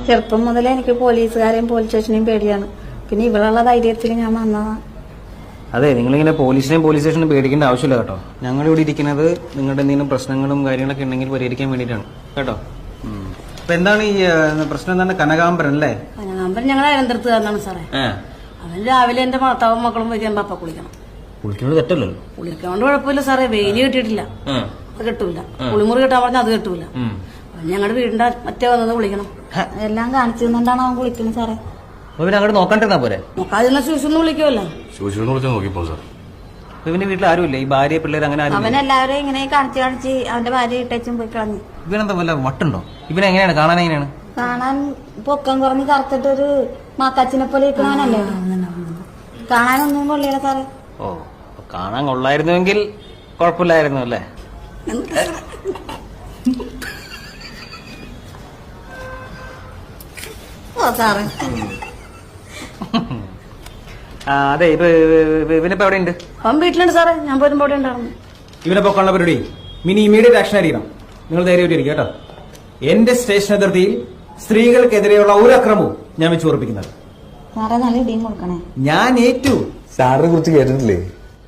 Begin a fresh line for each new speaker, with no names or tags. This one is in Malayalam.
ചെറുപ്പം മുതലേ എനിക്ക് പോലീസുകാരെയും പോലീസ് സ്റ്റേഷനെയും പേടിയാണ്. പിന്നെ ഇവളുള്ള ധൈര്യത്തിൽ ഞാൻ വന്നതാണ്.
അതെ, നിങ്ങളിങ്ങനെ പോലീസ് സ്റ്റേഷനും പേടിക്കേണ്ട ആവശ്യമില്ല കേട്ടോ. ഞങ്ങളിവിടെ ഇരിക്കുന്നത് നിങ്ങളുടെ എന്തെങ്കിലും പ്രശ്നങ്ങളും കാര്യങ്ങളൊക്കെ ഉണ്ടെങ്കിൽ പരിഹരിക്കാൻ വേണ്ടിയിട്ടാണ് കേട്ടോ. അപ്പൊ എന്താണ് ഈ പ്രശ്നം? എന്താണ്? കനകാംബരൻ അല്ലേ?
കനകാംബരൻ ഞങ്ങൾ അനന്തരത്തുകാരനാണ് സാറേ. അവൻ രാവിലെ എന്റെ ഭർത്താവും മക്കളും വയ്ക്കാൻ പപ്പ കുളിക്കണം.
കുളിക്കുന്നത് തെറ്റല്ലല്ലോ.
കുളിക്കൊണ്ട് കുഴപ്പമില്ല സാറേ. വെയില് കിട്ടിയിട്ടില്ല, അത് കിട്ടൂല. കുളിമുറി കിട്ടാൻ പറഞ്ഞാൽ അത് കിട്ടൂല. ഞങ്ങളുടെ വീടിന്റെ മറ്റേ വന്നത് കുളിക്കണം. എല്ലാം കാണിച്ചു തന്നുകൊണ്ടാണ് അവൻ കുളിക്കുന്നത് സാറേ.
അങ്ങോട്ട് നോക്കണ്ടിരുന്നാ പോരെ?
നോക്കാതിരുന്ന ശൂശൊന്നും വിളിക്കുമല്ലോ.
ഇവന്റെ വീട്ടിൽ ആരുമില്ല? ഈ ഭാര്യ പിള്ളേർ അങ്ങനെ ആരും?
അവനെല്ലാവരും ഇങ്ങനെ കാണിച്ച് അവന്റെ ഭാര്യ ഇട്ടേച്ചും പോയി കളഞ്ഞു.
ഇവനെന്താ വല്ല വട്ടുണ്ടോ? ഇവനെങ്ങനെയാണ് കാണാൻ? എങ്ങനെയാണ്
കാണാൻ? പൊക്കം കുറഞ്ഞ് കറുത്തിട്ടൊരു മാക്കാച്ചിനെ പോലെ ഇരിക്കണവനല്ലേ. കാണാനൊന്നും കൊള്ളില്ല സാറേ.
ഓ, കാണാൻ കൊള്ളായിരുന്നുവെങ്കിൽ കുഴപ്പമില്ലായിരുന്നു അല്ലേ?
ഓ സാറേ.
അതെ, ഇവനിപ്പോ എവിടെ ഉണ്ട്?
അവൻ വീട്ടിലുണ്ട് സാറേ. ഞാൻ പോരുമ്പോ അവിടെ ഉണ്ടായിരുന്നു.
ഇവനെ പൊക്കാനുള്ള പരിപാടി മിനി ഇമ്മീഡിയറ്റ് ആക്ഷൻ ആയിരിക്കണം. നിങ്ങൾ ധൈര്യമായിട്ടിരിക്കും കേട്ടോ. എന്റെ സ്റ്റേഷൻ അതിർത്തിയിൽ സ്ത്രീകൾക്കെതിരെയുള്ള ഒരു അക്രമവും ഞാൻ വെച്ച് ഉറപ്പിക്കുന്നത്.
സാറേ നല്ല ഇടിയും കൊടുക്കണേ.
ഞാൻ ഏറ്റു.
സാറിനെ കുറിച്ച് കേട്ടിട്ടില്ലേ?